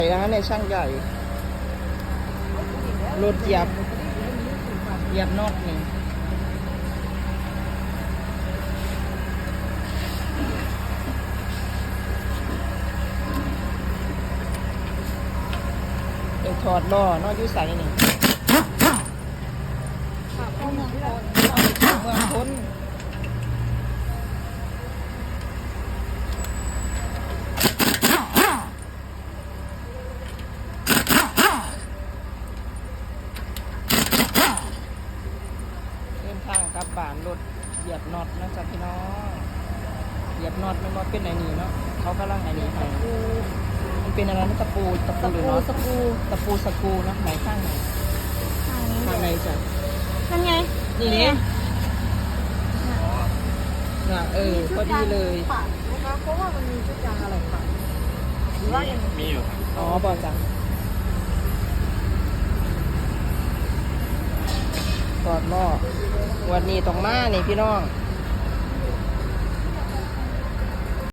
นะในช่างใหญ่รถเหยียบน็อตนี่เดี๋ยวถอดล้อนอกยุ่ใส่นี่เมืองพ้นทางกลับบ้านรถเหยียบน็อตนะจ๊ะพี่น้องเหยียบน็อตมันว่าเป็นไหนนี่เนาะเขากำลังไหนนี่ให้มันเป็นอะไรนะตะปูหรือน็อตตะปูสกรูนะไหนข้างไหนข้างในจ้ะนั่นไงนี่นี่น่ะพอดีเลยเพราะว่ามันมีชุดยางอะไรค่ะหรือว่ายังมีอยู่ครับอ๋อบอกจ้ะกอดหม้อวันนี้ต้องมานี่พี่น้อง